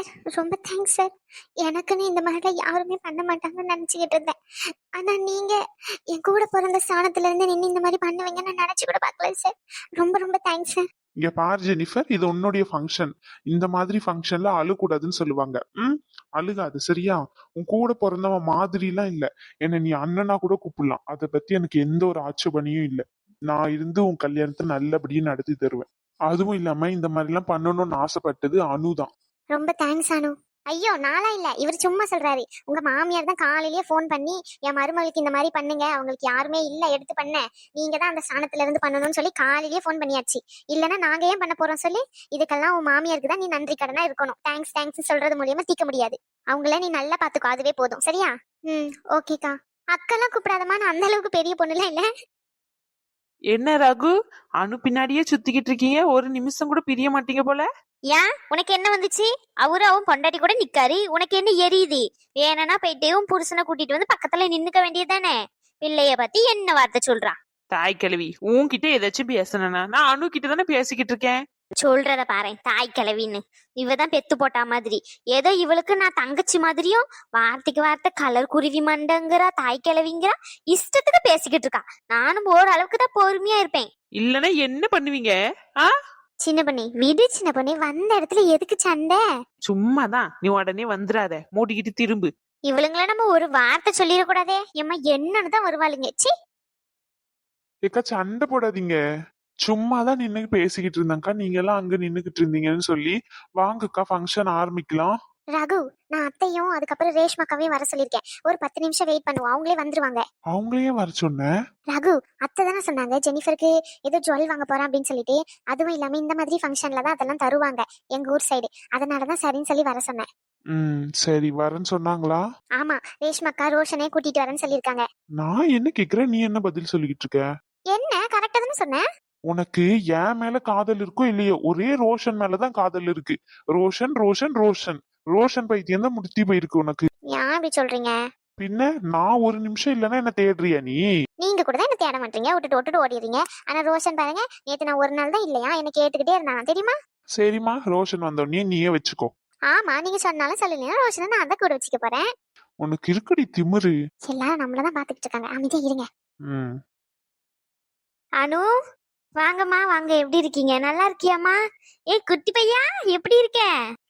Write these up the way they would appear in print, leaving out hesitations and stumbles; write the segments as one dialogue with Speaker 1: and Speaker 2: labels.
Speaker 1: ரொம்ப thanks sir. எனக்குன்னு இந்த மாதிரிலாம் யாருமே பண்ண மாட்டாங்கன்னு நினச்சிக்கிட்டு இருந்தேன். ஆனால் நீங்கள் என் கூட பிறந்த ஸ்தானத்துல இருந்து நின்று இந்த மாதிரி பண்ணுவீங்கன்னு நான் நினச்சி கூட பார்க்கல சார். ரொம்ப ரொம்ப தேங்க்ஸ் சார்.
Speaker 2: இங்க பாரு ஜெனிஃபர், இது உன்னுடைய ஃபங்க்ஷன். இந்த மாதிரி ஃபங்க்ஷன்ல அழுக்கூடாதுன்னு சொல்லுவாங்க. அழுகாது சரியா? உன் கூட பிறந்தவன் மாதிரிலாம் இல்ல. என்ன நீ அண்ணனா கூட கூப்பிடலாம். அதை பத்தி எனக்கு எந்த ஒரு ஆட்சேபனையும் இல்லை. நான் இருந்து உன் கல்யாணத்தை நல்லபடியா நடத்தி தருவேன். அதுவும் இல்லாம இந்த மாதிரி எல்லாம் பண்ணணும்னு ஆசைப்பட்டது அனுதான்.
Speaker 1: ரொம்ப தேங்க்ஸ் அனு. ஐயோ நாளா இல்ல, இவர் சும்மா சொல்றாரு. உங்க மாமியார் தான் காலையிலேயே ஃபோன் பண்ணி என் மருமகளுக்கு இந்த மாதிரி பண்ணுங்க, அவங்களுக்கு யாருமே இல்ல எடுத்து பண்ண, நீங்க தான் அந்த ஸ்தானத்துல இருந்து பண்ணணும்னு சொல்லி காலையிலேயே ஃபோன் பண்ணியாச்சு. இல்லைன்னா நாங்க ஏன் பண்ண போறோம் சொல்லி? இதுக்கெல்லாம் உன் மாமியாருக்கு தான் நீ நன்றி கடனா இருக்கணும். தேங்க்ஸ் தேங்க்ஸ் சொல்றது மூலியமா தீக்க முடியாது. அவங்கள நீ நல்லா பாத்துக்கோ, அதுவே போதும் சரியா? ஓகேக்கா. அக்கெல்லாம் கூப்பிடாதமா, நான் அந்த அளவுக்கு பெரிய பொண்ணுலாம் இல்ல.
Speaker 3: என்ன ரகு, அனு பின்னாடியே சுத்திக்கிட்டு இருக்கீங்க, ஒரு நிமிஷம் கூட பிரிய மாட்டீங்க போல.
Speaker 1: ஏன் உனக்கு என்ன வந்துச்சு? அவன் பொண்டாட்டி கூட நிக்காரு, உனக்கு என்ன எரியுது? வேணனா போயிட்டே உன் புருஷனை கூட்டிட்டு வந்து பக்கத்துல நின்னுக்க வேண்டியதானே? பிள்ளைய பத்தி என்ன வார்த்தை சொல்றான்?
Speaker 3: தாய் கிழவி, உன்கிட்ட ஏதாச்சும் பேசணும்னா நான் அனு கிட்ட தானே பேசிக்கிட்டு இருக்கேன்.
Speaker 1: சொல்றத பாரு, தாய் கிழவின்னு. இவதான் பெத்து போட்டா மாதிரி. ஏதோ இவளுக்கு நான் தங்கச்சி மாதிரியும் வார்த்தைக்கு வார்த்தை கலர் குருவி மண்டங்கிறா, தாய் கிழவிங்கிறா, இஷ்டத்துக்கு பேசிக்கிட்டு இருக்கா. நானும் ஓரளவுக்கு தான் பொறுமையா இருப்பேன்.
Speaker 3: இல்லன்னா என்ன பண்ணுவீங்க?
Speaker 1: சின்ன பண்ணி விடு. சின்ன பண்ணி வந்த இடத்துல எதுக்கு சண்டை?
Speaker 3: சும்மாதான், நீ உடனே வந்துடாத, மூடிக்கிட்டு திரும்பு.
Speaker 1: இவளுங்கள நம்ம ஒரு வார்த்தை சொல்லிடக்கூடாதே. ஏம்மா என்னன்னு தான் வருவாளுங்க. சி
Speaker 2: ஏக்கா சண்டை போடாதீங்க. சும்மாதான் நின்னு பேசிக்கிட்டு இருந்தாங்கக்கா. நீங்க எல்லாம் அங்க நின்னுகிட்டு இருந்தீங்கன்னு சொல்லி வாங்கக்கா ஃபங்க்ஷன் ஆரம்பிக்கலாம்.
Speaker 1: ரகு, நான் அத்தையும் அதுக்கப்புறம் ரேஷ்மாக்காவையும் வர சொல்லிருக்கேன். ஒரு 10 நிமிஷம் வெயிட் பண்ணுவோம், அவங்களே வந்துருவாங்க.
Speaker 2: அவங்களையே வர சொன்ன?
Speaker 1: ரகு, அத்தை தானே சொன்னாங்க ஜெனிஃபருக்கு ஏதோ ஜுவல் வாங்க போறேன் அப்படின்னு சொல்லிட்டு. அதுவும் இல்லாம இந்த மாதிரி ஃபங்க்ஷன்ல தான் அதெல்லாம் தருவாங்க எங்க ஊர் சைடு. அதனாலதான் சரின்னு சொல்லி வர சொன்னேன்.
Speaker 2: சரி வரேன்னு சொன்னாங்களா?
Speaker 1: ஆமா, ரேஷ்மாக்கா ரோஷனே கூட்டிட்டு வரேன்னு சொல்லிருக்காங்க.
Speaker 2: நான் என்ன கேக்குறேன், நீ என்ன பதில் சொல்லிக்கிட்டு இருக்க?
Speaker 1: என்ன கரெக்டா தானே சொன்னேன்?
Speaker 2: உனக்கு என் மேல காதல் இருக்கோ இல்லையோ, ஒரே ரோஷன் மேலதான் காதல் இருக்கு. ரோஷன் ரோஷன் ரோஷன் ரோஷன் பைத்தியம் தான் முடித்தி போயிருக்கு உனக்கு.
Speaker 1: ஏன் இப்படி சொல்றீங்க?
Speaker 2: பின்ன நான் ஒரு நிமிஷம் இல்லைன்னா என்ன தேடுறியா நீ?
Speaker 1: நீங்க கூட தான் என்ன தேட மாட்டீங்க, விட்டுட்டு ஓடிடுறீங்க. ஆனா ரோஷன் பாருங்க, நேத்து நான் ஒரு நாள் தான் இல்லையா என்ன கேட்டுக்கிட்டே இருந்தான் தெரியுமா?
Speaker 2: சரிம்மா, ரோஷன் வந்தோடனே நீயே வச்சுக்கோ.
Speaker 1: ஆமா, நீங்க சொன்னாலும் சொல்லலையா ரோஷனை நான் தான் கூட வச்சுக்க போறேன்.
Speaker 2: உனக்கு இருக்கடி திமிரு.
Speaker 1: எல்லாரும் நம்மளதான் பாத்துக்கிட்டு இருக்காங்க, அமைதியா இருங்க.
Speaker 2: ம்
Speaker 1: அனு, வாங்கம்மா வாங்க. எப்படி இருக்கீங்க? நல்லா இருக்கியாமா? ஏய் குட்டி பையா, எப்படி இருக்க?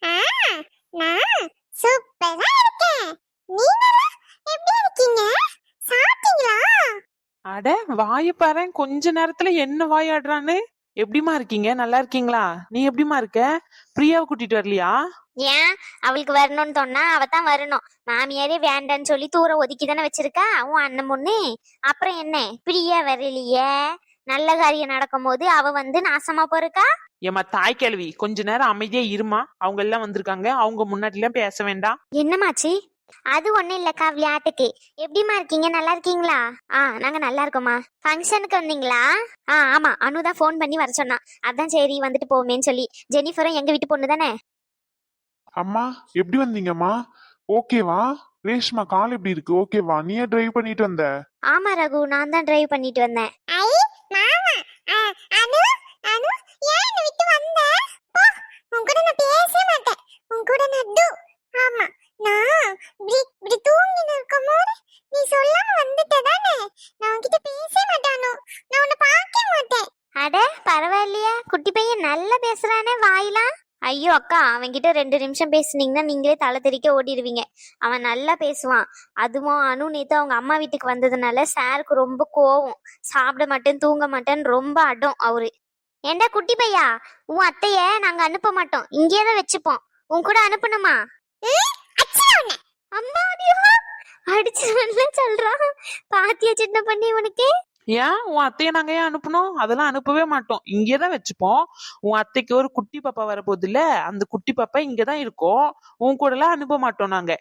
Speaker 1: நான் சூப்பரா இருக்கேன். நீங்க எப்படி இருக்கீங்க? சாப்பிட்டீங்களா?
Speaker 3: அட வாய பாரு, கொஞ்ச நேரத்துல என்ன வாயாடுறான்னு. எப்படிமா இருக்கீங்க? நல்லா இருக்கீங்களா? நீ எப்படிமா இருக்க? பிரியாவை கூட்டிட்டு வரலையா?
Speaker 1: ஏன் அவளுக்கு வரணும்னு சொன்னா அவ தான் வரணும். மாமியாரே வேண்டான்னு சொல்லி தூர ஒதுக்கி தானே வச்சிருக்கா உன் அண்ணன் பொண்ணு. அப்புறம் என்ன, பிரியா வரலையே? நல்ல காரியம் நடக்கும் போது அவ வந்து நாசமா போறக்கா?
Speaker 3: ஏமா தாய் கேள்வி, கொஞ்ச நேரம் அமைதியா இருமா. அவங்க எல்லாம் வந்திருக்காங்க, அவங்க முன்னாடி எல்லாம் பேச வேண்டாம்.
Speaker 1: என்னமாச்சு? அது ஒண்ணும் இல்லக்கா, விளையாட்டுக்கு. எப்படிமா இருக்கீங்க? நல்லா இருக்கீங்களா? நாங்க நல்லா இருக்கோமா. ஃபங்க்ஷனுக்கு வந்தீங்களா? ஆமா, அனுதான் போன் பண்ணி வர சொன்னா. அதான் சரி வந்துட்டு போமேன்னு சொல்லி. ஜெனிஃபரும் எங்க வீட்டு பொண்ணு தானே.
Speaker 2: அம்மா எப்படி வந்தீங்கம்மா? ஓகேவா? ரேஷ்மா கால் எப்படி இருக்கு? ஓகேவா? நீயே டிரைவ் பண்ணிட்டு வந்த?
Speaker 1: ஆமா ரகு, நான் தான் டிரைவ் பண்ணிட்டு வந்தேன். அட பரவாயில்லையா, குட்டி பையன் நல்லா பேசுறானே வாயிலாம். ஐயோ அக்கா, அவன்கிட்ட 2 நிமிஷம் பேசுனீங்கன்னா நீங்களே தலை தெறிக்க ஓடிடுவீங்க. அவன் நல்லா பேசுவான். அதுவும் அனு நேத்து அவங்க அம்மா வீட்டுக்கு வந்ததுனால சாருக்கு ரொம்ப கோவம். சாப்பிட மாட்டேன், தூங்க மாட்டேன்னு ரொம்ப அடம் அவரு. ஏண்டா குட்டி பையா, உன் அத்தைய நாங்க அனுப்ப மாட்டோம், இங்கேதான் வச்சுப்போம். உன் கூட அனுப்பணுமா? அம்மா அடிச்சு சொல்றான். பாத்தியா சின்ன பண்ணி உனக்கு?
Speaker 3: ஏன் உன் அத்தைய நாங்க ஏன் அனுப்பணும்? அதெல்லாம் அனுப்பவே மாட்டோம், இங்கேதான் வச்சுப்போம். உன் அத்தைக்கு ஒரு குட்டி பாப்பா வரப்போகுது இல்ல, அந்த குட்டி பாப்பா இங்கதான் இருக்கும். உன் கூட எல்லாம் அனுப்ப மாட்டோம் நாங்க.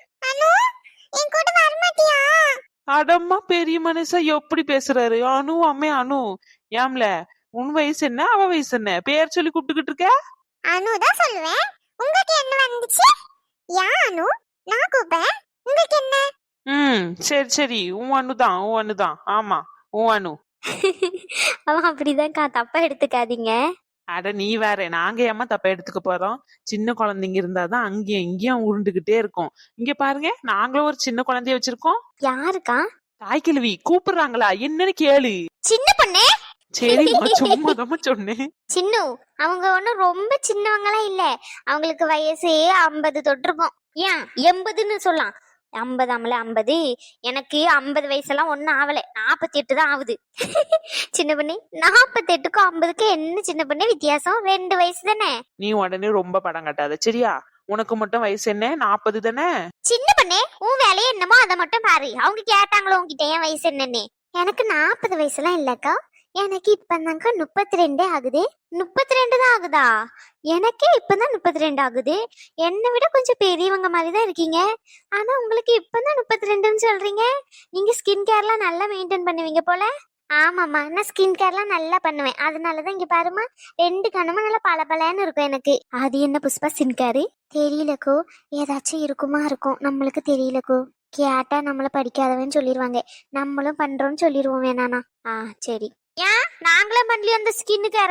Speaker 3: அடம்மா பெரிய மனுஷா எப்படி பேசுறாரு. அனு அம்மே அனு. ஏம்ல, உன் வயசு என்ன, அவ வயசு என்ன? பேர் சொல்லி கூப்பிட்டுக்கிட்டு இருக்க?
Speaker 1: அனுதான் சொல்லுவேன். உங்களுக்கு என்ன வந்துச்சு? யா அனு, நான் கூப்பிடுறேன், உங்களுக்கு என்ன?
Speaker 3: சரி சரி, உன் அனுதான், உன் அனுதான். ஆமா உன் அனு.
Speaker 1: அவன் அப்படிதான்க்கா, தப்பா எடுத்துக்காதீங்க.
Speaker 3: அட நீ வேற, நாங்க ஏமா தப்ப எடுத்துக்க போறோம்? சின்ன குழந்தைங்க இருந்தாதான் அங்கேயும் இங்கேயும் உருண்டுகிட்டே இருக்கும். இங்க பாருங்க, நாங்களும் ஒரு சின்ன குழந்தைய வச்சிருக்கோம்.
Speaker 1: யாருக்கா?
Speaker 3: தாய்க்கிழவி கூப்பிடுறாங்களா என்னன்னு கேளு.
Speaker 1: சின்ன பொண்ணே.
Speaker 3: சரிம்மா, சும்மாதாம்மா சொன்னேன்.
Speaker 1: சின்னு, அவங்க ஒண்ணும் ரொம்ப சின்னவங்களா இல்ல. அவங்களுக்கு வயசு 50 தொட்டிருக்கும். ஏன் 80ன்னு சொல்லலாம். 50 ஆமல 50. எனக்கு 50 வயசெல்லாம் ஒன்னும் ஆவல, 48 தான் ஆகுது. சின்ன பொண்ணு, 48க்கும் 50க்கும் என்ன சின்ன பொண்ணு வித்தியாசம்? 2 வயசு தானே.
Speaker 3: நீ உடனே ரொம்ப படம் கட்டாத சரியா? உனக்கு மட்டும் வயசு என்ன, 40 தானே?
Speaker 1: சின்ன பொண்ணே, உன் வேலையை என்னமோ அதை மட்டும் பாரு. அவங்க கேட்டாங்களோ உங்ககிட்ட என் வயசு என்னன்னு. எனக்கு 40 வயசுலாம் இல்லக்கா. எனக்கு இப்பதாங்க 32 ஆகுது. 32 தான் ஆகுதா? எனக்கே இப்பதான் 32 ஆகுது. என்னை விட கொஞ்சம் பெரியவங்க மாதிரி தான் இருக்கீங்க. ஆனா உங்களுக்கு இப்பதான் 32ன்னு சொல்றீங்க. நீங்க ஸ்கின் கேர்லாம் நல்லா மெயின்டைன் பண்ணுவீங்க போல. ஆமாம்மா, நான் ஸ்கின் கேர்லாம் நல்லா பண்ணுவேன். அதனாலதான் இங்க பாருமா, 2 கண்ணமும் நல்லா பளபளன்னு இருக்கும் எனக்கு. அது என்ன புஷ்பா ஸ்கின் கேரு? தெரியலக்கோ, ஏதாச்சும் இருக்கும், நம்மளுக்கு தெரியலக்கோ. கேட்டா நம்மள படிக்காதவன்னு சொல்லிடுவாங்க. நம்மளும் பண்றோம்னு சொல்லிடுவோம் வேணானா? சரி. ஏன் நாங்களும் பண்ணலையோ அந்த ஸ்கின் கேர?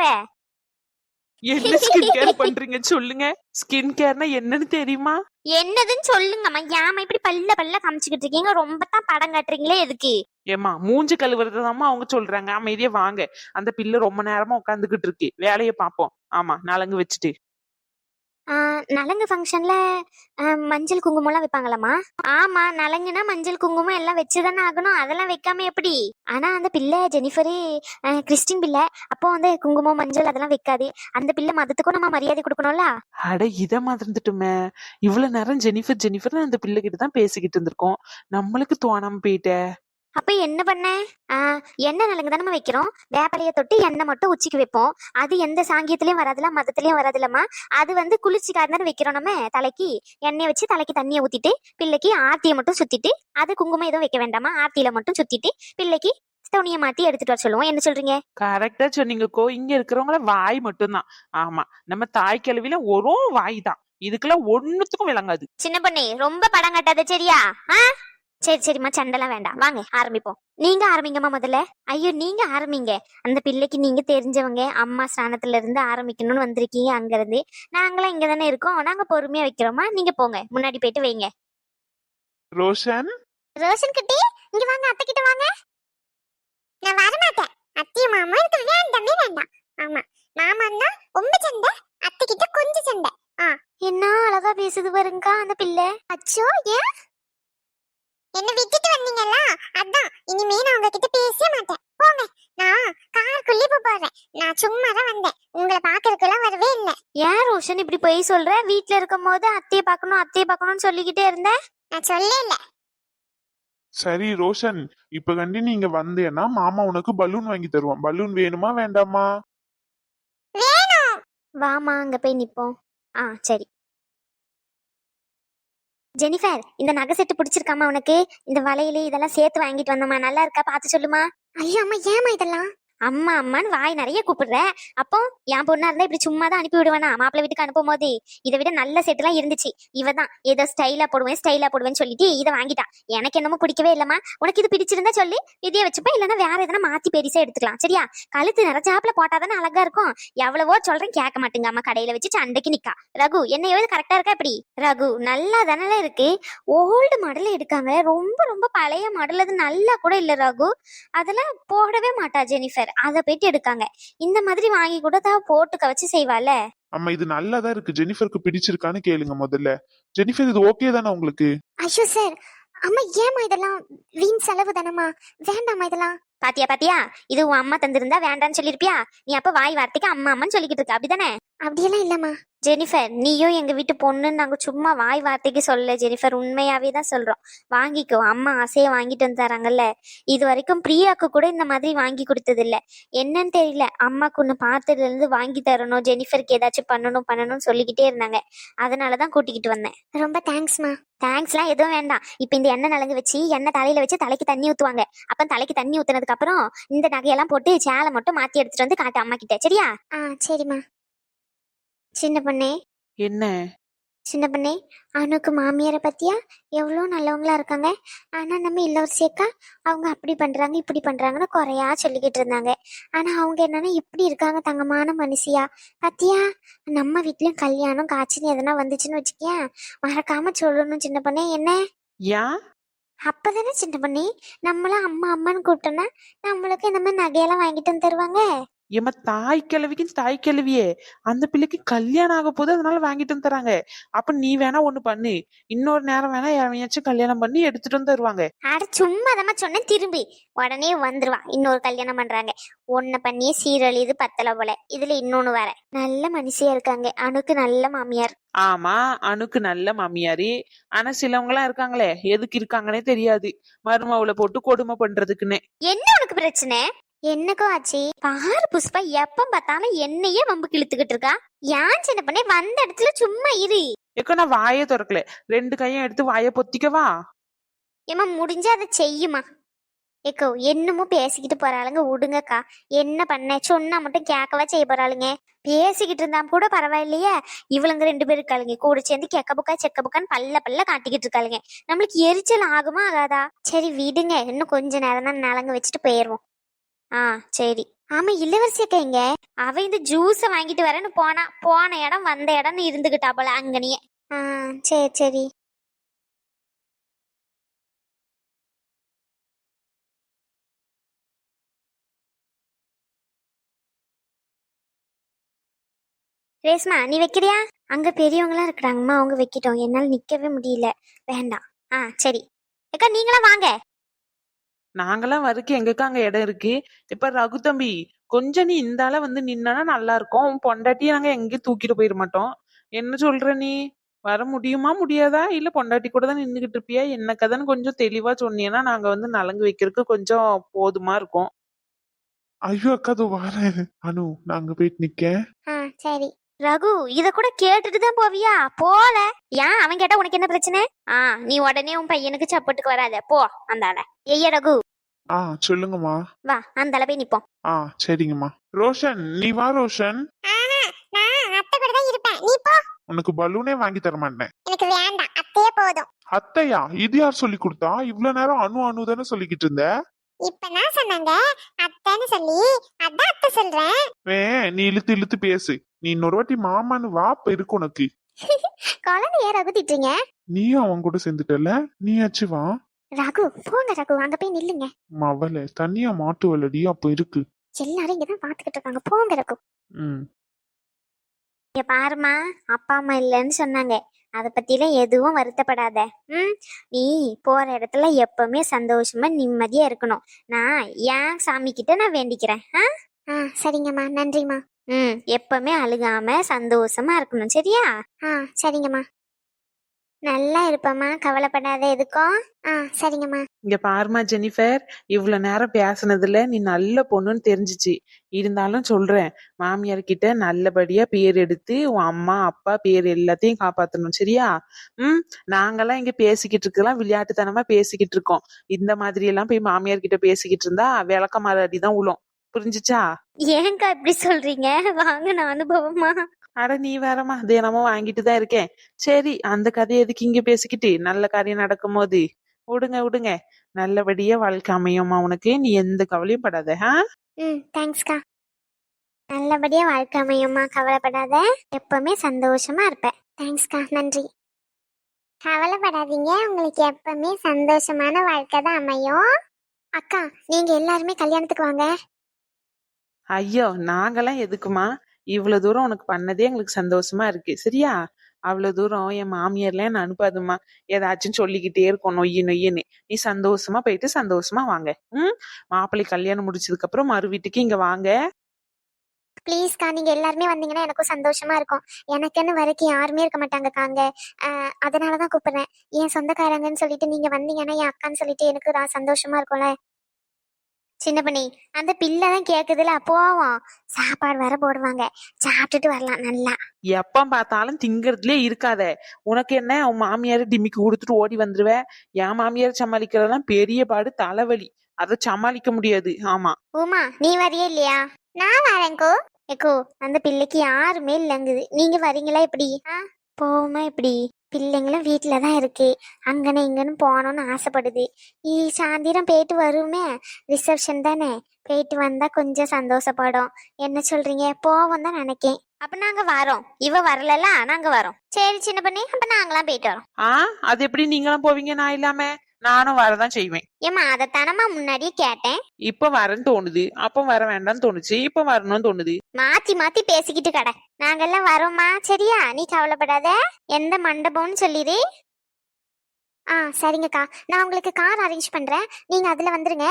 Speaker 3: என்ன ஸ்கின் கேர் பண்றீங்க சொல்லுங்க. ஸ்கின் கேர்னா என்னன்னு தெரியுமா?
Speaker 1: என்னதுன்னு சொல்லுங்கம்மா. ஏமா இப்படி பல்ல காமிச்சுக்கிட்டு இருக்கீங்க? ரொம்ப தான் படம் காட்டுறீங்களே, எதுக்கு?
Speaker 3: ஏமா மூஞ்சி கழுவுறதாம்மா அவங்க சொல்றாங்க. அமைதியா வாங்க. அந்த பிள்ளை ரொம்ப நேரமா உட்காந்துக்கிட்டு இருக்கு, வேலையை பார்ப்போம். ஆமா, நலங்கு வச்சுட்டு.
Speaker 1: நலங்கு ஃபங்க்ஷன்ல மஞ்சள் குங்குமம்லாம் வைப்பாங்களாமா? ஆமா, நலங்குனா மஞ்சள் குங்குமம் எல்லாம் வச்சுதானே ஆகணும். அதெல்லாம் வைக்காம எப்படி? ஆனா அந்த பிள்ளை ஜெனிஃபரு கிறிஸ்டின் பிள்ளை. அப்போ வந்து குங்குமம் மஞ்சள் அதெல்லாம் வைக்காது. அந்த பிள்ளை மதத்துக்கும் நம்ம மரியாதை கொடுக்கணும்ல.
Speaker 3: அட இத மறந்துட்டுமே. இவ்வளவு நேரம் ஜெனிஃபர் ஜெனிஃபர் அந்த பிள்ளை கிட்ட தான் பேசிக்கிட்டு இருந்திருக்கோம். நம்மளுக்கு தோணாம போயிட்ட.
Speaker 1: அப்ப என்ன பண்ண? எண்ணெய் நலங்கு தானே வைக்கிறோம். வேப்பலையை தொட்டு எண்ணெய் மட்டும் உச்சிக்கு வைப்போம். அது எந்த சாங்கியத்திலயும் வராதுல, மதத்திலயும் வராதுலமா. அது வந்து குளிர்ச்சிக்காக தானே வைக்கிறோம். நம்ம தலைக்கு எண்ணெய் வச்சு தலைக்கு தண்ணியை ஊத்திட்டு பிள்ளைக்கு ஆர்த்தியை மட்டும் சுத்திட்டு, அது குங்குமம் எதுவும் வைக்க வேண்டாமா, ஆர்த்தியில மட்டும் சுத்திட்டு பிள்ளைக்கு துணியை மாத்தி எடுத்துட்டு வர சொல்லுவோம். என்ன சொல்றீங்க?
Speaker 3: கரெக்டா சொன்னீங்கக்கோ. இங்க இருக்கிறவங்கள வாய் மட்டும்தான். ஆமா, நம்ம தாய் கிழவில ஒரு வாய் தான். இதுக்கெல்லாம் ஒண்ணுத்துக்கும் விளங்காது.
Speaker 1: சின்ன பொண்ணு, ரொம்ப படம் கட்டாத சரியா? சரி சரிம்மா, சண்டெல்லாம் வேண்டாம். வாங்க ஆரம்பிப்போம். நீங்க ஆரம்பிங்கம்மா முதல்ல. ஐயோ, நீங்க ஆரம்பிங்க. அந்த பிள்ளைக்கு நீங்க தெரிஞ்சவங்க, அம்மா ஸ்தானத்துல இருந்து ஆரம்பிக்கணும்னு வந்திருக்கீங்க. அங்க இருந்து நாங்களாம் இங்க தானே இருக்கோம். நாங்க பொறுமையா வைக்கிறோமா, நீங்க போங்க முன்னாடி போயிட்டு வைங்க.
Speaker 2: ரோஷன்,
Speaker 1: ரோஷன் கிட்டே இங்க வாங்க, அத்தை கிட்ட வாங்க. நான் வர மாட்டேன். அத்தை மாமா எனக்கு வேண்டாமே வேண்டாம். ஆமா, மாமான்னா ரொம்ப சண்டை, அத்தை கிட்ட கொஞ்சம் சண்டை. என்ன அழகா பேசுது பாருங்கக்கா அந்த பிள்ளை. அச்சோ, ஏன் என்ன விட்டுட்டு வந்தீங்கல்ல, அதான் இனிமே நான் உங்ககிட்ட பேச மாட்டேன். போங்க, நான் காருக்குள்ளே போறேன். நான் சும்மா தான் வந்தேன், உங்களை பாக்குறதுக்கெல்லாம் வரவே இல்லை. ஏன் ரோஷன் இப்படி போய் சொல்ற? வீட்டுல இருக்கும் போது அத்தையை பார்க்கணும்னு சொல்லிக்கிட்டே இருந்தேன். நான் சொல்லல.
Speaker 2: சரி ரோஷன், இப்ப கண்டி நீங்க வந்தேன்னா மாமா உனக்கு பலூன் வாங்கி தருவான். பலூன் வேணுமா வேண்டாமா?
Speaker 1: வேணும். வாமா, அங்க போய் நிப்போம். சரி. ஜெனிஃபர், இந்த நகை செட்டு பிடிச்சிருக்காமா உனக்கு? இந்த வளையல இதெல்லாம் சேர்த்து வாங்கிட்டு வந்தோமா, நல்லா இருக்கா? பார்த்து சொல்லுமா. ஐயோ அம்மா, ஏமா இதெல்லாம்? அம்மா அம்மான்னு வாய் நிறைய கூப்பிடுற. அப்போ என் பொண்ணா இருந்தா இப்படி சும்மா தான் அனுப்பி விடுவேனா? மாப்பிள்ளை வீட்டுக்கு அனுப்பும் போது இதை விட நல்ல செட்டுலாம் இருந்துச்சு. இவதான் ஏதோ ஸ்டைலா போடுவேன்னு சொல்லிட்டு இதை வாங்கிட்டா. எனக்கு என்னமோ பிடிக்கவே இல்லம்மா. உனக்கு இது பிடிச்சிருந்தா சொல்லி இதையே வச்சுப்பேன், இல்லைன்னா வேற எதனா மாத்தி பெருசா எடுத்துக்கலாம் சரியா? கழுத்து நிறைச்சாப்புல போட்டாதானே அழகா இருக்கும். எவ்வளவோ சொல்றேன், கேட்க மாட்டேங்க அம்மா. கடையில வச்சு சண்டைக்கு நிக்கா. ரகு, என்ன கரெக்டா இருக்கா இப்படி? ரகு, நல்லா தானே இருக்கு. ஓல்டு மாடல் எடுக்காங்க, ரொம்ப ரொம்ப பழைய மாடல். அது நல்லா கூட இல்ல ரகு. அதெல்லாம் போடவே மாட்டா ஜெனிஃபர். அதை போயிட்டு எடுக்காங்க. இந்த மாதிரி வாங்கி கூட தான் போட்டுக்க வச்சு செய்வால.
Speaker 2: அம்மா, இது நல்லாதான் இருக்கு. ஜெனிஃபருக்கு பிடிச்சிருக்கான்னு கேளுங்க முதல்ல. ஜெனிஃபர், இது ஓகே தானே உங்களுக்கு?
Speaker 1: ஐயோ சார், அம்மா ஏமா இதெல்லாம் வீண் செலவு தானம்மா, வேண்டாமா இதெல்லாம். பாத்தியா, இது உன் அம்மா தந்திருந்தா வேண்டான்னு சொல்லிருப்பியா? நீ அப்ப வாய் வார்த்தைக்கு அம்மா அம்மான்னு சொல்லிக்கிட்டு இருக்க, அப்படிதானே? அப்படியெல்லாம் இல்லம்மா. ஜெனிஃபர், நீயும் எங்க வீட்டு பொண்ணுன்னு நாங்க சும்மா வாய் வார்த்தைக்கு சொல்ல ஜெனிஃபர், உண்மையாவே தான் சொல்றோம். வாங்கிக்கோ, அம்மா ஆசையை வாங்கிட்டு வந்து தராங்கல்ல. இது வரைக்கும் பிரியாக்கு கூட இந்த மாதிரி வாங்கி கொடுத்தது இல்ல. என்னன்னு தெரியல, அம்மாக்கு ஒண்ணு பார்த்ததுல இருந்து வாங்கி தரணும், ஜெனிஃபருக்கு ஏதாச்சும் பண்ணணும்னு சொல்லிக்கிட்டே இருந்தாங்க. அதனாலதான் கூட்டிக்கிட்டு வந்தேன். ரொம்ப தேங்க்ஸ்மா. தேங்க்ஸ்லாம் எதுவும் வேண்டாம். இப்ப இந்த எண்ணெய் நலங்கு வச்சு எண்ணெய் தலையில வச்சு தலைக்கு தண்ணி ஊத்துவாங்க. அப்ப தலைக்கு தண்ணி ஊத்துனதுக்கு அப்புறம் இந்த நகையெல்லாம் போட்டு சேலை மட்டும் மாத்தி எடுத்துட்டு வந்து காட்டு அம்மா கிட்ட, சரியா? சரிம்மா. சின்ன பொண்ணே,
Speaker 3: என்ன
Speaker 1: சின்ன பண்ணே, அனுக்கு மாமியாரை பத்தியா எவ்வளோ நல்லவங்களா இருக்காங்க. ஆனா நம்ம இளவரசியக்கா அவங்க அப்படி பண்றாங்க இப்படி பண்றாங்கன்னு குறையா சொல்லிக்கிட்டு இருந்தாங்க. ஆனா அவங்க என்னன்னா இப்படி இருக்காங்க, தங்கமான மனுஷியா. பத்தியா, நம்ம வீட்லயும் கல்யாணம் காட்சின்னு எதனா வந்துச்சுன்னு வச்சுக்கேன், மறக்காம சொல்லணும் சின்ன பண்ணே. என்ன
Speaker 3: ஏன்?
Speaker 1: அப்பதானே சின்ன பண்ணி நம்மளும் அம்மா அம்மான்னு கூப்பிட்டோம்னா நம்மளுக்கு இந்த மாதிரி நகையெல்லாம் வாங்கிட்டு வந்து தருவாங்க.
Speaker 3: ஏமா தாய் கிழவிக்கு தாய் கிழவியே, அந்த பிள்ளைக்கு கல்யாணம் ஆக போது அதனால வாங்கிட்டு வந்து தராங்க. அப்ப நீ வேணா ஒண்ணு பண்ணு, இன்னொரு நேரம் வேணா எவனையாச்சும் கல்யாணம் பண்ணி எடுத்துட்டு வந்து தருவாங்க.
Speaker 1: அட சும்மா சொன்னேன், திரும்பி உடனே வந்துருவா. இன்னொரு கல்யாணம் பண்றாங்க, ஒன்ன பண்ணியே சீரழிது பத்தல போல. இதுல இன்னொன்னு வேற, நல்ல மனுஷியா இருக்காங்க. அணுக்கு நல்ல மாமியார்.
Speaker 3: ஆமா, அணுக்கு நல்ல மாமியாரி. ஆனா சிலவங்க எல்லாம் இருக்காங்களே, எதுக்கு இருக்காங்கன்னே தெரியாது, மருமவுல போட்டு கொடுமை பண்றதுக்குன்னு.
Speaker 1: என்ன உனக்கு பிரச்சனை? என்னக்கோ ஆச்சு பாரு புஷ்பா, எப்ப பார்த்தாலும் என்னையே வம்பு இழுத்துக்கிட்டு இருக்கா. ஏன் சின்ன பண்ணே, வந்த இடத்துல சும்மா இரு.
Speaker 3: ஏக்கோ நான் வாயை திறக்கல, 2 கையும் எடுத்து வாயை பொத்திக்கவா?
Speaker 1: ஏமா முடிஞ்சா அதை செய்யுமா. ஏக்கோ என்னமோ பேசிக்கிட்டு போறாளுங்க, விடுங்கக்கா. என்ன பண்ண சொன்னா மட்டும் கேட்கவா செய்ய போறாளுங்க. பேசிக்கிட்டு இருந்தா கூட பரவாயில்லையே, இவளுங்க 2 பேரும் இருக்காளுங்க கூட சேர்ந்து கெக்க புக்கா செக்க புக்கான்னு பல்ல பல்ல காட்டிக்கிட்டு இருக்காளுங்க. நம்மளுக்கு எரிச்சல் ஆகுமா ஆகாதா? சரி விடுங்க, இன்னும் கொஞ்ச நேரம் தான் நலங்கு வச்சுட்டு போயிருவோம். சரி. ஆமா, இளவரசி அக்கா எங்க? அவ இந்த ஜூஸ வாங்கிட்டு வரேன்னு போன இடம் வந்த இடம்னு இருந்துகிட்டா போல அங்கனியே. சரி சரி. ரேஸ்மா நீ வைக்கிறியா? அங்க பெரியவங்களா இருக்கிறாங்கம்மா, அவங்க வைக்கிட்டோம், என்னால நிக்கவே முடியல. வேண்டாம். சரி அக்கா, நீங்களா வாங்க.
Speaker 3: நாங்கெல்லாம் வரைக்கும் எங்கக்கா அங்க இடம் இருக்கு? இப்ப ரகு தம்பி, கொஞ்சம் நீ இந்தால வந்து நின்னா நல்லா இருக்கும். உன் பொண்டாட்டியை நாங்க எங்கேயும் தூக்கிட்டு போயிட மாட்டோம். என்ன சொல்ற நீ? வர முடியுமா முடியாதா? இல்ல பொண்டாட்டி கூட தான் நின்னுகிட்டு இருப்பியா? என்ன கதைன்னு கொஞ்சம் தெளிவா சொன்னீங்கன்னா நாங்க வந்து நலங்கு வைக்கிறதுக்கு கொஞ்சம் போதுமா இருக்கும்.
Speaker 2: ஐயோ அக்கா, அதோ வரேன். அனு, நான் அங்க போயிட்டு நிக்கேன்.
Speaker 1: சரி. ரகு, இத கூட கேட்டுட்டு தான் போவியா? போல. ஏன் அவன் கேட்டா உனக்கு என்ன பிரச்சனை? நீ உடனே உன் பையனுக்கு சப்போர்ட்டுக்கு வராத, போ அந்தால. ஐயா ரகு,
Speaker 2: சொல்லுங்கம்மா.
Speaker 1: வா அந்தால போய் நிப்போம்.
Speaker 2: சரிங்கம்மா. ரோஷன், நீ வா ரோஷன்.
Speaker 1: நான் அத்தை கூட தான் இருப்பேன், நீ போ.
Speaker 2: உனக்கு பலூனே வாங்கி தர மாட்டேன்.
Speaker 1: எனக்கு வேண்டாம், அத்தையே போதும்.
Speaker 2: அத்தையா? இது யார் சொல்லி கொடுத்தா? இவ்வளவு நேரம் அனு அனு தானே சொல்லிக்கிட்டு இருந்த.
Speaker 1: இப்ப நான் சொன்னாங்க அத்தைன்னு சொல்லி, அதான் அத்தை சொல்றேன்.
Speaker 2: நீ இழுத்து இழுத்து பேசு. நீ இன்னொரு வாட்டி மாமான்னு வா, இப்ப இருக்கு உனக்கு.
Speaker 1: குழந்தை ஏன் ரகு திட்டுறீங்க?
Speaker 2: நீயும் அவன் கூட சேர்ந்துட்டல, நீயாச்சு வா.
Speaker 1: ரகு போங்க ரகு, அங்க போய் நில்லுங்க.
Speaker 2: மவள தனியா மாட்டு வலடி அப்ப இருக்கு.
Speaker 1: எல்லாரும் இங்கதான் பாத்துக்கிட்டு இருக்காங்க, போங்க ரகு. இங்க பாருமா, அப்பா அம்மா இல்லைன்னு சொன்னாங்க, அத பத்திலாம் எதுவும் வருத்தப்படாத. நீ போற இடத்துல எப்பவுமே சந்தோஷமா நிம்மதியா இருக்கணும். நான் ஏன் சாமி கிட்ட நான் வேண்டிக்கிறேன். சரிங்கம்மா, நன்றிம்மா. எப்பவுமே அழுகாம சந்தோஷமா இருக்கணும், சரியா? சரிங்கம்மா. நல்லா இருப்பம்மா, கவலைப்படாத எதுக்கும். சரிங்கம்மா.
Speaker 3: இங்க பாருமா ஜெனிஃபர், இவ்வளவு நேரம் பேசுனதுல நீ நல்ல பொண்ணுன்னு தெரிஞ்சிச்சு. இருந்தாலும் சொல்றேன், மாமியார் கிட்ட நல்லபடியா பேர் எடுத்து உன் அம்மா அப்பா பேர் எல்லாத்தையும் காப்பாத்தணும், சரியா? நாங்கெல்லாம் இங்க பேசிக்கிட்டு இருக்கலாம், விளையாட்டுத்தனமா பேசிக்கிட்டு இருக்கோம். இந்த மாதிரி எல்லாம் போய் மாமியார் கிட்ட பேசிக்கிட்டு இருந்தா விளக்க மாறடிதான் உளும். புரிஞ்சுச்சா?
Speaker 1: ஏங்கா இப்படி சொல்றீங்க? வாங்க நான் அனுபவமா.
Speaker 3: அட நீ வேறமா, தினமும் வாங்கிட்டு தான் இருக்கேன். சரி, அந்த கதையை எதுக்கு இங்க பேசிக்கிட்டு, நல்ல காரியம் நடக்கும் போது விடுங்க. நல்லபடியா வாழ்க்கை அமையுமா உனக்கு, நீ எந்த கவலையும் படாத.
Speaker 1: தேங்க்ஸ்க்கா. நல்லபடியா வாழ்க்கை அமையுமா, கவலைப்படாத. எப்பவுமே சந்தோஷமா இருப்பேன். தேங்க்ஸ்க்கா, நன்றி. கவலைப்படாதீங்க, உங்களுக்கு எப்பவுமே சந்தோஷமான வாழ்க்கை தான் அமையும். அக்கா, நீங்க எல்லாருமே கல்யாணத்துக்கு வாங்க.
Speaker 3: ஐயோ, நாங்கெல்லாம் எதுக்குமா? இவ்வளவு தூரம் உனக்கு பண்ணதே எங்களுக்கு சந்தோஷமா இருக்கு, சரியா? அவ்வளவு தூரம் என் மாமியார்லாம் என்ன அனுப்பாதுமா, ஏதாச்சும் சொல்லிக்கிட்டே இருக்கும் நொய்யு நொய்யுன்னு. நீ சந்தோஷமா போயிட்டு சந்தோஷமா வாங்க. மாப்பிள்ளை கல்யாணம் முடிச்சதுக்கு அப்புறம் மறு வீட்டுக்கு இங்க வாங்க.
Speaker 1: ப்ளீஸ்க்கா, நீங்க எல்லாருமே வந்தீங்கன்னா எனக்கும் சந்தோஷமா இருக்கும். எனக்குன்னு வரைக்கும் யாருமே இருக்க மாட்டாங்கக்கா அங்க. அதனாலதான் கூப்பிடுறேன். என் சொந்தக்காரங்கன்னு சொல்லிட்டு நீங்க வந்தீங்கன்னா என் அக்கான்னு சொல்லிட்டு எனக்கு சந்தோஷமா இருக்கும்ல. சின்ன பண்ணி, அந்த பிள்ளை தான் கேக்குதுல, போவோம். சாப்பாடு வர போடுவாங்க, சாப்பிட்டுட்டு வரலாம் நல்லா.
Speaker 3: எப்ப பார்த்தாலும் திங்கறதுலயே இருக்காத. உனக்கு என்ன, உன் மாமியார டிமிக்கு கொடுத்துட்டு ஓடி வந்துருவ. என் மாமியார் சமாளிக்கிறதெல்லாம் பெரிய பாடு, தலைவலி. அதை சமாளிக்க முடியாது. ஆமா.
Speaker 1: உமா, நீ வரியே இல்லையா? நான் வரேன்கோ. ஏக்கோ, அந்த பிள்ளைக்கு யாருமே இல்லங்குது, நீங்க வரீங்களா எப்படி? போகுமா இப்படி? பிள்ளைங்களும் வீட்டில தான் இருக்கு. அங்கன இங்கன்னு போகணும்னு ஆசைப்படுது. சாயந்தரம் போயிட்டு வருமே, ரிசப்ஷன் தானே, போயிட்டு வந்தா கொஞ்சம் சந்தோஷப்படும். என்ன சொல்றீங்க? போவோம் தான் நினைக்கேன். அப்ப நாங்க வரோம். இவ வரலல, நாங்க வரோம். சரி சின்ன பண்ணி, அப்ப நாங்களாம் போயிட்டு வரோம்.
Speaker 3: அது எப்படி நீங்களும் போவீங்க நான் இல்லாம? நானும் வரதான் செய்வேன்.
Speaker 1: ஏமா அதைத்தானமா முன்னாடியே கேட்டேன்.
Speaker 3: இப்ப வரேன்னு தோணுது, அப்ப வர வேண்டாம்னு தோணுச்சு, இப்ப வரணும்னு தோணுது.
Speaker 1: மாத்தி மாத்தி பேசிக்கிட்டு கடை. நாங்கெல்லாம் வரோம்மா, சரியா? நீ கவலைப்படாத. எந்த மண்டபம்னு சொல்லிடு. சரிங்கக்கா, நான் உங்களுக்கு கார் அரேஞ்ச் பண்றேன், நீங்க அதுல வந்துருங்க.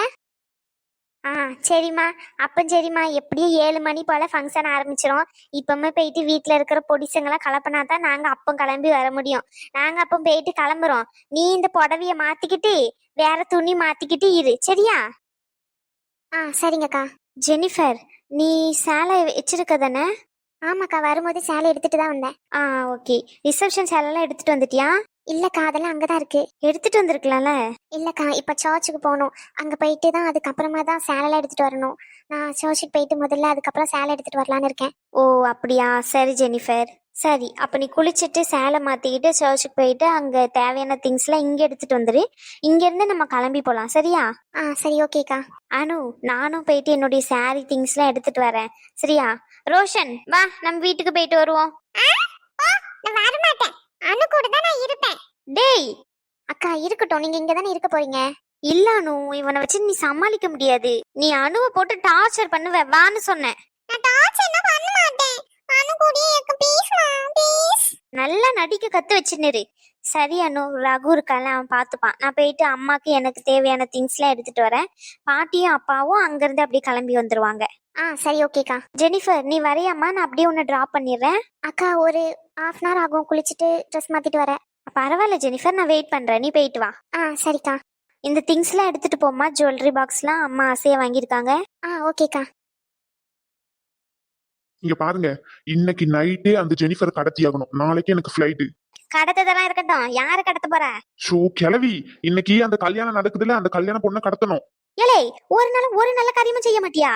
Speaker 1: சரிம்மா. அப்போ சரிம்மா, எப்படியும் 7 மணி போல ஃபங்க்ஷன் ஆரம்பிச்சிடும். இப்பவுமே போயிட்டு வீட்டில் இருக்கிற பொடிசங்களாம் கலப்பினா தான் நாங்கள் அப்போ கிளம்பி வர முடியும். நாங்கள் அப்போ போயிட்டு கிளம்புறோம். நீ இந்த புடவைய மாத்திக்கிட்டு வேற துணி மாத்திக்கிட்டு இரு, சரியா? சரிங்கக்கா. ஜெனிஃபர், நீ சேலை வச்சிருக்க தானே? ஆமாக்கா, வரும்போது சேலை எடுத்துட்டு தான் வந்தேன். ஓகே. ரிசப்ஷன் சேலைலாம் எடுத்துட்டு வந்துட்டியா? இல்லக்கா, அதெல்லாம் அங்கதான் இருக்கு. எடுத்துட்டு வந்திருக்கலாம்ல. இல்லக்கா, இப்ப சர்ச்சுக்கு போகணும். அங்க போயிட்டு தான் அதுக்கப்புறமா தான் சேலை எடுத்துட்டு வரணும். நான் சர்ச்சுக்கு போயிட்டு முதல்ல அதுக்கப்புறம் சேலை எடுத்துட்டு வரலான்னு இருக்கேன். ஓ அப்படியா? சரி ஜெனிஃபர். சரி, அப்ப நீ குளிச்சுட்டு சேலை மாத்திக்கிட்டு சர்ச்சுக்கு போயிட்டு அங்க தேவையான திங்ஸ்லாம் இங்க எடுத்துட்டு வந்துரு. இங்க இருந்து நம்ம கிளம்பி போலாம், சரியா? சரி ஓகேக்கா. அனு, நானும் போயிட்டு என்னுடைய சாரி திங்ஸ்லாம் எடுத்துட்டு வரேன், சரியா? ரோஷன் வா, நம்ம வீட்டுக்கு போயிட்டு வருவோம். நான் வர மாட்டேன், அனு கூட தான் நான் இருப்பேன். டேய் அக்கா, இருக்கட்டும், நீங்க இங்க தானே இருக்க போறீங்க. இல்ல அனு, இவனை வச்சு நீ சமாளிக்க முடியாது. நீ அனுவை போட்டு டார்ச்சர் பண்ணுவ, வான்னு சொன்னேன். நான் டார்ச்சர் பண்ண மாட்டேன். அனு கூட இருக்க ப்ளீஸ். நல்லா நடிக்க கத்து வச்சுன்னு. சரி அனு, ரகு இருக்கால, அவன் பாத்துப்பான். நான் போயிட்டு அம்மாக்கு எனக்கு தேவையான திங்ஸ்லாம் எடுத்துட்டு வரேன். பாட்டியும் அப்பாவும் அங்கிருந்து அப்படியே கிளம்பி வந்துருவாங்க. சரி ஓகேக்கா. ஜெனிஃபர், நீ வரையாமா? நான் அப்படியே உன்னை டிராப் பண்ணிடுறேன். அக்கா, ஒரு 1/2 hour ஆகும் குளிச்சுட்டு ட்ரெஸ் மாத்திட்டு வரேன். பரவாயில்ல ஜெனிஃபர், நான் வெயிட் பண்றேன், நீ போயிட்டு வா. சரிக்கா. இந்த திங்ஸ்லாம் எடுத்துட்டு போமா, ஜுவல்லரி பாக்ஸ்லாம் அம்மா ஆசையா வாங்கியிருக்காங்க. ஓகேக்கா.
Speaker 2: இங்க பாருங்க, இன்னைக்கு நைட்டே அந்த ஜெனிஃபர் கடத்தி ஆகணும். நாளைக்கு எனக்கு ஃபிளைட்.
Speaker 1: கடத்ததெல்லாம் இருக்கட்டும், யாரு கடத்த போற?
Speaker 2: கிளவி, இன்னைக்கு அந்த கல்யாணம் நடக்குதுல, அந்த கல்யாண பொண்ணை கடத்தணும்.
Speaker 1: ஏலே, ஒரு நல்ல காரியமும் செய்ய மாட்டியா?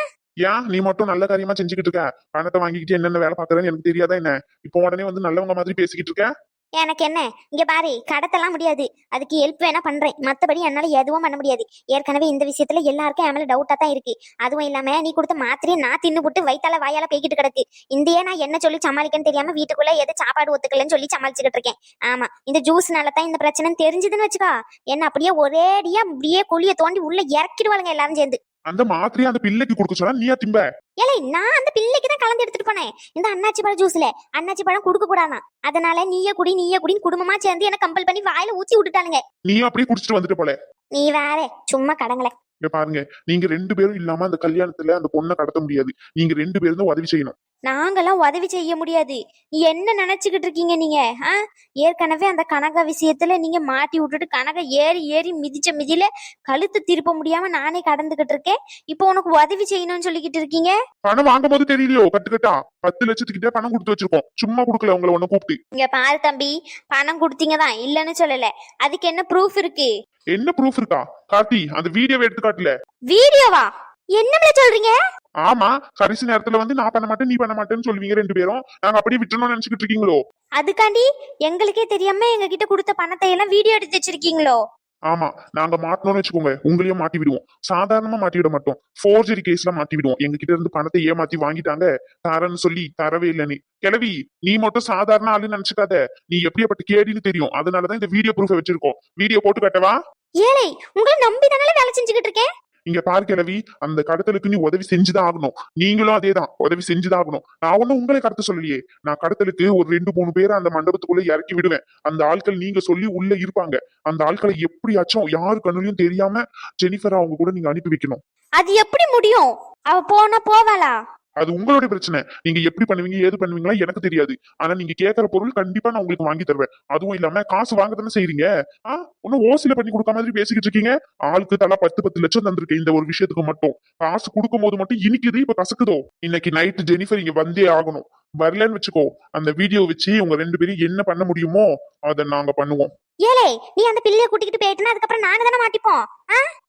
Speaker 2: ஏன் நீ மட்டும் நல்ல காரியமா செஞ்சுக்கிட்டு இருக்க? பணத்தை வாங்கிக்கிட்டு என்னென்ன வேலை பாக்குறேன்னு எனக்கு தெரியாதா என்ன? இப்போ உடனே வந்து நல்லவங்க மாதிரி பேசிக்கிட்டு இருக்க.
Speaker 1: எனக்கு என்ன, இங்க பாரு, கடத்தலாம் முடியாது. அதுக்கு ஹெல்ப் வேணா பண்றேன், மத்தபடி என்னால எதுவும் பண்ண முடியாது. ஏற்கனவே இந்த விஷயத்துல எல்லாருக்கும் என் மேல டவுட்டா தான் இருக்கு. அதுவும் இல்லாம நீ கொடுத்த மாத்திரையை நான் தின்னு போட்டு வயித்தால வாயால பேய்கிட்டு கிடக்கு. இந்தியே நான் என்ன சொல்லி சமாளிக்கன்னு தெரியாம வீட்டுக்குள்ள எது சாப்பாடு ஒத்துக்கலன்னு சொல்லி சமாளிச்சுக்கிட்டு இருக்கேன். ஆமா, இந்த ஜூஸ்னால தான் இந்த பிரச்சனைன்னு தெரிஞ்சதுன்னு வச்சுக்கா, என்ன அப்படியே ஒரேடியா அப்படியே குழிய தோண்டி உள்ள இறக்கிடுவாளுங்க எல்லாரும் சேர்ந்து.
Speaker 2: அந்த மாத்திரையை அந்த பிள்ளைக்கு கொடுக்க சொன்னா நீயா திம்ப?
Speaker 1: ஏலே, நான் அந்த பிள்ளைக்கு தான் கலந்து எடுத்துட்டு போனேன். இந்த அன்னாச்சி பழம் ஜூஸ்ல அன்னாச்சி பழம் கொடுக்க கூடாதான். அதனால நீயே குடின்னு குடும்பமா சேர்ந்து என்ன கம்பல் பண்ணி வாயில ஊத்தி விட்டுட்டாளுங்க.
Speaker 2: நீயும் அப்படியே குடிச்சிட்டு வந்துட்டு போல.
Speaker 1: நீ வேற சும்மா கடங்களே.
Speaker 2: இங்க பாருங்க, நீங்க 2 பேரும் இல்லாம அந்த கல்யாணத்துல அந்த பொண்ணை கடத்த முடியாது. நீங்க 2 பேரும் தான் உதவி செய்யணும்.
Speaker 1: நாங்கெல்லாம் உதவி செய்ய முடியாது. என்ன நினைச்சுக்கிட்டு இருக்கீங்க நீங்க? ஏற்கனவே அந்த கனகா விஷயத்துல நீங்க மாட்டி விட்டுட்டு கனகா ஏறி மிதிச்ச மிதியில கழுத்து திருப்ப முடியாம நானே கடந்துகிட்டு இருக்கேன். இப்போ உனக்கு உதவி செய்யணும்னு சொல்லிக்கிட்டு இருக்கீங்க.
Speaker 2: பணம் வாங்கும் போது தெரியலையோ, கட்டுக்கட்டா 10 லட்சத்துக்கிட்ட பணம் கொடுத்து வச்சிருக்கோம். சும்மா கொடுக்கல உங்களை ஒண்ணு கூப்பிட்டு.
Speaker 1: இங்க பாரு தம்பி, பணம் கொடுத்தீங்க தான், இல்லன்னு சொல்லல. அதுக்கு என்ன ப்ரூஃப் இருக்கு?
Speaker 2: என்ன ப்ரூஃப் இருக்கா? கார்த்தி, அந்த வீடியோவை எடுத்து காட்டல.
Speaker 1: வீடியோவா? என்ன சொல்றீங்க?
Speaker 2: ஆமா, கடைசி நேரத்துல வந்து நான் பண்ண மாட்டேன் நீ பண்ண மாட்டேன்னு சொல்லுவீங்க 2 பேரும். நாங்க அப்படியே விட்டுறணும்னு நினைச்சுக்கிட்டு இருக்கீங்களோ? அதுக்காண்டி
Speaker 1: எங்களுக்கே தெரியாம எங்க கிட்ட கொடுத்த பணத்தை எல்லாம் வீடியோ எடுத்து வச்சிருக்கீங்களோ?
Speaker 2: ஆமா, நாங்க மாட்டணும்னு வச்சுக்கோங்க, உங்களையும் மாட்டி விடுவோம். சாதாரணமா மாட்டி விட மாட்டோம், ஃபோர்ஜரி கேஸ்ல மாட்டி விடுவோம். எங்க கிட்ட இருந்து பணத்தை ஏமாத்தி வாங்கிட்டாங்க, தரேன்னு சொல்லி தரவே இல்லைன்னு. கிளவி, நீ மட்டும் சாதாரண ஆளுன்னு நினைச்சுக்காத, நீ எப்படியாப்பட்ட கேடின்னு தெரியும். அதனாலதான் இந்த வீடியோ ப்ரூஃப் வச்சிருக்கோம். வீடியோ போட்டு காட்டவா?
Speaker 1: ஏலே, உங்களை நம்பி தானே வேலை செஞ்சுக்கிட்டு இருக்கேன்.
Speaker 2: இங்க பாரு கிளவி, அந்த கடத்தலுக்கு நீ உதவி செஞ்சுதான் ஆகணும். நீங்களும் அதேதான், உதவி செஞ்சுதான் ஆகணும். நான் ஒன்னும் உங்களை கடத்த சொல்லலையே. நான் கடத்தலுக்கு ஒரு 2-3 பேரை அந்த மண்டபத்துக்குள்ள இறக்கி விடுவேன். அந்த ஆட்கள் நீங்க சொல்லி உள்ள இருப்பாங்க. அந்த ஆட்களை எப்படியாச்சும் யாரு கண்ணுலயும் தெரியாம ஜெனிஃபர் அவங்க கூட நீங்க அனுப்பி வைக்கணும்.
Speaker 1: அது எப்படி முடியும்? அவ போனா போவாளா?
Speaker 2: அது உங்களுடைய பிரச்சனை. நீங்க எப்படி பண்ணுவீங்க ஏது பண்ணுவீங்களா எனக்கு தெரியாது. ஆனா நீங்க கேட்கற பொருள் கண்டிப்பா நான் உங்களுக்கு வாங்கி தருவேன். அதுவும் இல்லாம காசு வாங்க தானே செய்றீங்க. ஒன்னும் ஓசில பண்ணி கொடுக்க மாதிரி பேசிக்கிட்டு இருக்கீங்க. ஆளுக்கு தலா 10 லட்சம் தந்திருக்கேன் இந்த ஒரு விஷயத்துக்கு மட்டும். காசு கொடுக்கும் போது மட்டும் இனிக்குது, இப்ப கசக்குதோ. இன்னைக்கு நைட்டு ஜெனிஃபர் இங்க வந்தே ஆகணும். வரலன்னு வச்சுக்கோ, அந்த வீடியோ வச்சு உங்க 2 பேரும் என்ன பண்ண முடியுமோ அதை நாங்க பண்ணுவோம்.
Speaker 1: ஏலே, நீ அந்த பிள்ளைய கூட்டிக்கிட்டு போயிட்டுனா அதுக்கப்புறம் நாங்க தானே மாட்டிப்போம்.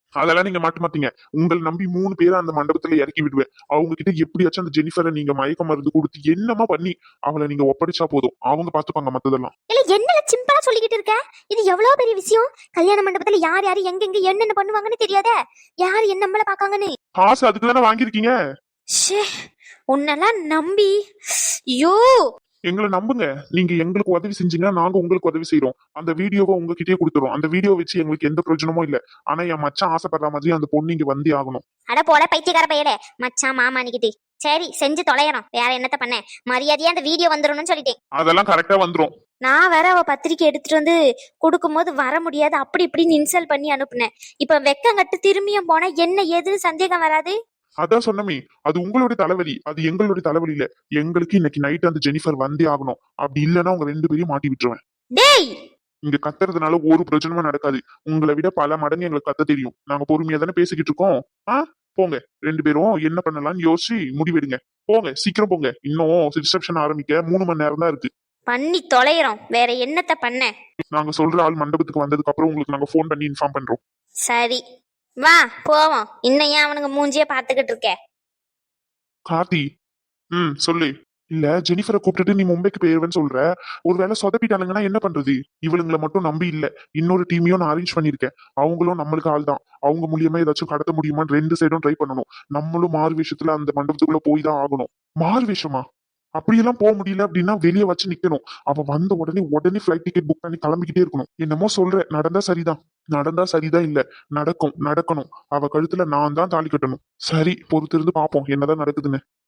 Speaker 2: அதெல்லாம் நீங்க மாட்ட மாட்டீங்க. உங்களை நம்பி 3 பேரை அந்த மண்டபத்துல இறக்கி விடுவேன். அவங்க கிட்ட எப்படியாச்சும் அந்த ஜெனிஃபரை நீங்க மயக்க மருந்து கொடுத்து என்னமா பண்ணி அவளை நீங்க ஒப்படைச்சா போதும். அவங்க பாத்துப்பாங்க மத்ததெல்லாம்.
Speaker 1: இல்ல என்னல சிம்பிளா சொல்லிக்கிட்டு இருக்க? இது எவ்வளவு பெரிய விஷயம். கல்யாண மண்டபத்துல யார் யாரு எங்க என்னென்ன பண்ணுவாங்கன்னு தெரியாதே. யார் என்ன நம்மள பாக்காங்கன்னு.
Speaker 2: காசு அதுக்கு தானே வாங்கியிருக்கீங்க.
Speaker 1: ஷே, உன்னெல்லாம் நம்பி ஐயோ.
Speaker 2: எங்களை நம்புங்க. நீங்க எங்களுக்கு உதவி செஞ்சீங்கன்னா நாங்க உங்களுக்கு உதவி செய்யறோம். அந்த வீடியோவை உங்ககிட்டயே கொடுத்துறோம். அந்த வீடியோ வச்சு எங்களுக்கு எந்த பிரயோஜனமும் இல்ல. ஆனா என் மச்சான் ஆசைப்படுற மாதிரி அந்த பொண்ணு இங்க வந்தே ஆகணும்.
Speaker 1: அட போட பைத்தியக்கார பையலே. மச்சான் மாமா நிக்கிட்டு சரி செஞ்சு தொலையணும். வேற என்னத்த பண்ண? மரியாதையா அந்த வீடியோ வந்துடணும்னு சொல்லிட்டேன்.
Speaker 2: அதெல்லாம் கரெக்டா வந்துரும்.
Speaker 1: நான் வேற அவ பத்திரிக்கை எடுத்துட்டு வந்து கொடுக்கும்போது வர முடியாது அப்படி இப்படின்னு இன்சல்ட் பண்ணி அனுப்புனேன். இப்ப வெக்கங்கட்டு திரும்பியும் போனா என்ன ஏதுன்னு சந்தேகம் வராது?
Speaker 2: அதான் சொன்னமே, அது உங்களுடைய தலைவலி, அது எங்களுடைய தலைவலி இல்ல. எங்களுக்கு இன்னைக்கு நைட் அந்த ஜெனிஃபர் வந்தே ஆகணும். அப்படி இல்லைன்னா உங்க 2 பேரையும் மாட்டி விட்டுருவேன்.
Speaker 1: டேய்,
Speaker 2: இங்க கத்துறதுனால ஒரு பிரச்சனமும் நடக்காது. உங்களை விட பல மடங்கு எங்களுக்கு கத்த தெரியும். நாங்க பொறுமையா தானே பேசிக்கிட்டு இருக்கோம். போங்க 2 பேரும் என்ன பண்ணலாம்னு யோசிச்சு முடிவெடுங்க. போங்க சீக்கிரம் போங்க. இன்னும் ரிசப்ஷன் ஆரம்பிக்க 3 மணி நேரம் தான் இருக்கு.
Speaker 1: பண்ணி தொலைறோம். வேற என்னத்த பண்ண?
Speaker 2: நாங்க சொல்ற ஆள் மண்டபத்துக்கு வந்ததுக்கு அப்புறம் உங்களுக்கு நாங்க போன் பண்ணி இன்ஃபார்ம் பண்றோம்.
Speaker 1: சரி வா போவோம். இன்னும் ஏன் அவனுங்க மூஞ்சியே பாத்துக்கிட்டு இருக்க?
Speaker 2: கார்த்தி, சொல்லு. இல்ல ஜெனிஃபரை கூப்பிட்டுட்டு நீ மும்பைக்கு போயிருவேன்னு சொல்ற. ஒருவேளை சொதப்பிட்டானுங்கன்னா என்ன பண்றது? இவளுங்களை மட்டும் நம்பி இல்ல, இன்னொரு டீமையும் நான் அரேஞ்ச் பண்ணிருக்கேன். அவங்களும் நம்மளுக்கு ஆள் தான். அவங்க மூலியமா ஏதாச்சும் கடத்த முடியுமான்னு 2 சைடும் ட்ரை பண்ணணும். நம்மளும் மாறு விஷயத்துல அந்த மண்டபத்துக்குள்ள போய் தான் ஆகணும். மாறு விஷயமா? அப்படியெல்லாம் போக முடியல அப்படின்னா வெளியே வச்சு நிக்கணும். அவ வந்த உடனே ஃபிளைட் டிக்கெட் புக் பண்ணி கிளம்பிக்கிட்டே இருக்கணும். என்னமோ சொல்ற, நடந்தா சரிதான் இல்ல, நடக்கணும். அவ கழுத்துல நான் தான் தாலி கட்டணும். சரி பொறுத்திருந்து பாப்போம் என்னதான் நடக்குதுன்னு.